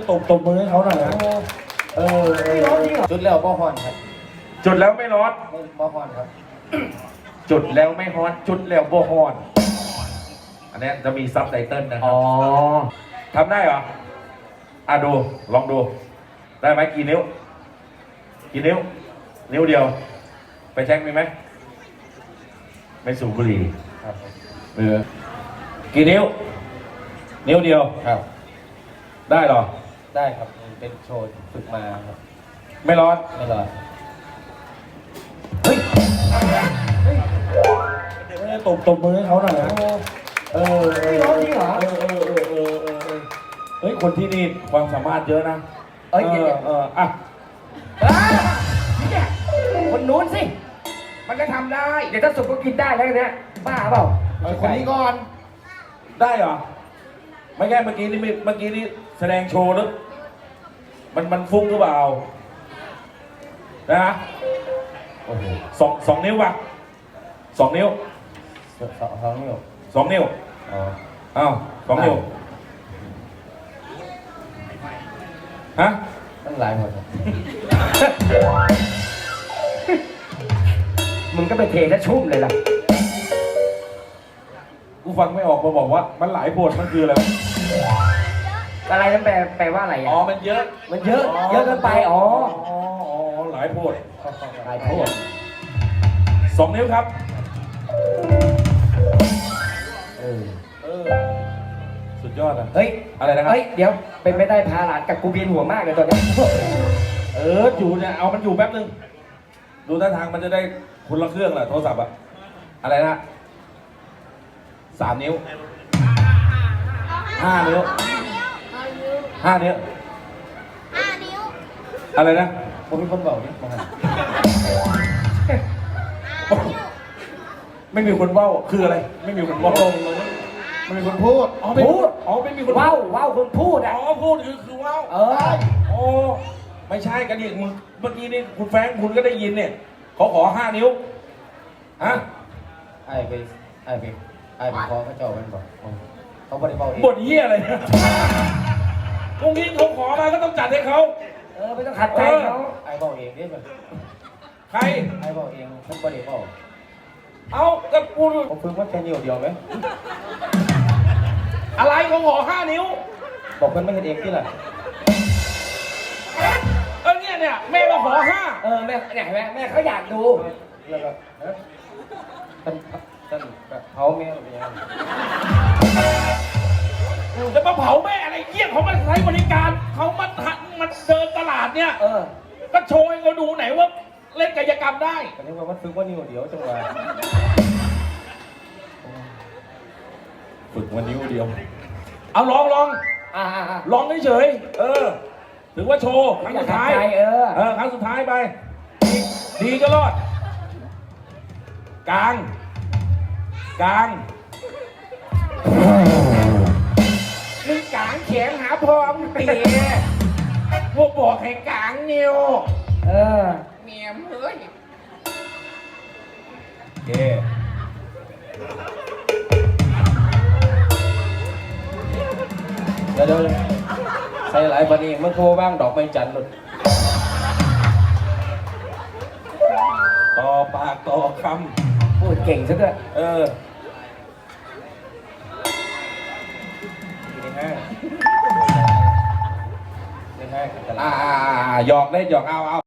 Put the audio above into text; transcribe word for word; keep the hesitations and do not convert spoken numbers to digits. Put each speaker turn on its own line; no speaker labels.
ตบตบมือให้เขาหน่อยนะเออจุดแล้วบ่ฮอนครับจุดแล้วไม่ร้อนบ่ฮอนครับจุดแล้วไม่ฮอนจุดแล้วบ่ฮอนอันนี้จะมีซับไตเติลนะครับอ๋อทำได้เหรออ่ะดูลองดูได้ไหมกี่นิ้วกี่นิ้วนิ้วเดียวไปแช็คมีไหมไม่สูบบุหรี่ครับเออกี่นิ้วนิ้วเดียวครับได้หรอได้ครับเป็นโชว์ฝึกมาครับไม่ร้อนไม่ร้อนเฮ้ยเฮ้ยตบตบมือให้เขาหน่อยนะเออไม่ร้อนจริงเหรอเออเออเออเออเออเฮ้ยคนที่นี่ความสามารถเยอะนะเออเอออ่ะคนนู้นสิมันก็ทำได้เดี๋ยวถ้าสุกก็กินได้แล้วเนี่ยบ้าเปล่าคนนี้ก่อนได้เหรอไม่แค่เมื่อกี้นี่เมื่อกี้นี่แสดงโชว์หรือมันมันฟุ้งหรือเปล่านะฮะโอ้โหสองสองนิ้วป่ะสองนิ้วสองสองนิ้วสองนิ้วอ๋ออ้าวสองนิ้วฮะตั้งหลายหมดมึงก็ไปเทซะชุ่มเลยล่ะกูฟังไม่ออกมาบอกว่ามันหลายโพดมันคืออะไรอะไรนั่นแปลแปลว่าอะไรอ๋อมันเยอะมันเยอะเยอะเกินไปอ๋ออ๋อหลายโพดหลายโพดสองนิ้วครับเออเออสุดยอดอ่ะเฮ้ยอะไรนะครับเฮ้ยเดี๋ยวเป็นไม่ได้พาหลานกับกูเบียนหัวมากเลยตอนนี้เอออยู่เนี่ยเอามันอยู่แป๊บนึงดูท่าทางมันจะได้คนละเครื่องแหละโทรศัพท์อะอะไรนะสามนิ้วห้านิ้วห้านิ้วห้านิ้วอะไรนะผมเป็นคนเบาเนี่ยไม่มีคนเบ้าคืออะไรไม่มีคนเบ้าไม่มีคนพูดอ๋อพูดอ๋อไม่มีคนเบ้าเบ้าคนพูดอ๋อพูดคือคือเบ้าเออโอ้ไม่ใช่กันดิมึงเมื่อกี้นี่คุณแฟงคุณก็ได้ยินเนี่ยเขาขอห้านิ้วฮะไอ้ไปไอ้ไปไอ้ไปขอเขาเจ้ามันบอกเขาบริบาลบทเยี่ยอะไรเนี่ยตรงนี้เขาขอมาก็ต้องจัดให้เขาเออไม่ต้องขัดใจเขาไอ้บอกเองนี่มันใครไอ้บอกเองท่านบริบาลเอากับกูผมพึ่งว่าแค่นิ้วเดียวไหมอะไรเขาขอห้านิ้วบอกเพื่อนไม่เห็นเองที่ไหนเออเนี่ยเนี่ยแม่มาขอห้าเออแม่เนี่ยแม่แม่เขาอยากดูแล้วก็ท่านท่านเผาแม่อะไรอย่างจะมาเผาแม่อะไรเยี่ยเขามาใช้บริการเขามาหัดมันเดินตลาดเนี่ยเออก็โชว์ให้เขาดูไหนว่าเล่นกายกรรมได้แต่นี่ว่ามันฝึกว่านิ้วเดียวจังหวะฝึกว่านิ้วเดียวเอาลองลองอ่าลองเฉยเออถือว่าโชว์ครั้งสุดท้ายเออเออครั้งสุดท้ายไปดีก็รอดกลางกลางมึงกลางแขนหาพร้อมเปียพวกบอกให้กลางนิ้วเออเมียมเฮ้ยโอเคเดี๋ยวเดี๋ยวใส่หลายปนีมันโทรบ้างดอกไม้จันทร์หลุดต่อปากต่อคำพูดเก่งซะด้วยเออในห้างในห้างอ่าหยอกได้หยอกเอาเอา